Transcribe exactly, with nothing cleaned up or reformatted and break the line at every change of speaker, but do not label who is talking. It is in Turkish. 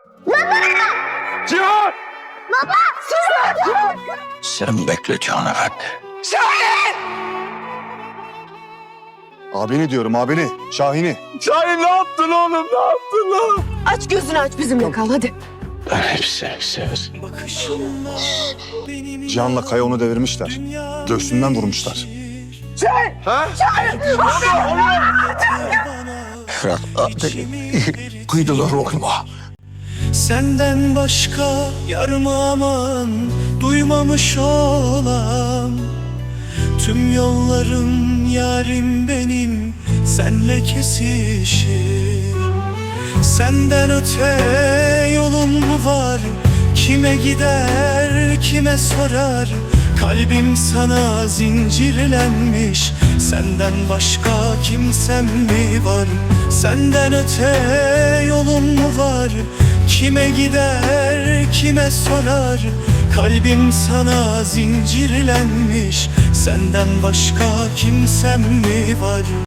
Baba!
Cihan!
Baba! Cihan!
Sen bekle Cihan Efendi.
Abini diyorum abini. Şahin'i.
Şahin ne yaptın oğlum, ne yaptın lan?
Aç gözünü aç, bizimle kal hadi.
Ben hepsi severiz.
Cihan'la Kaya onu devirmişler. Göğsünden vurmuşlar.
Ha?
Fırat abi kıydılar oğluma.
Senden başka yarım aman duymamış olam. Tüm yollarım yarim benim senle kesişir. Senden öte yolum mu var? Kime gider, kime sorar? Kalbim sana zincirlenmiş. Senden başka kimsem mi var? Senden öte yolum mu var? Kime gider, kime sorar? Kalbim sana zincirlenmiş. Senden başka kimsem mi var?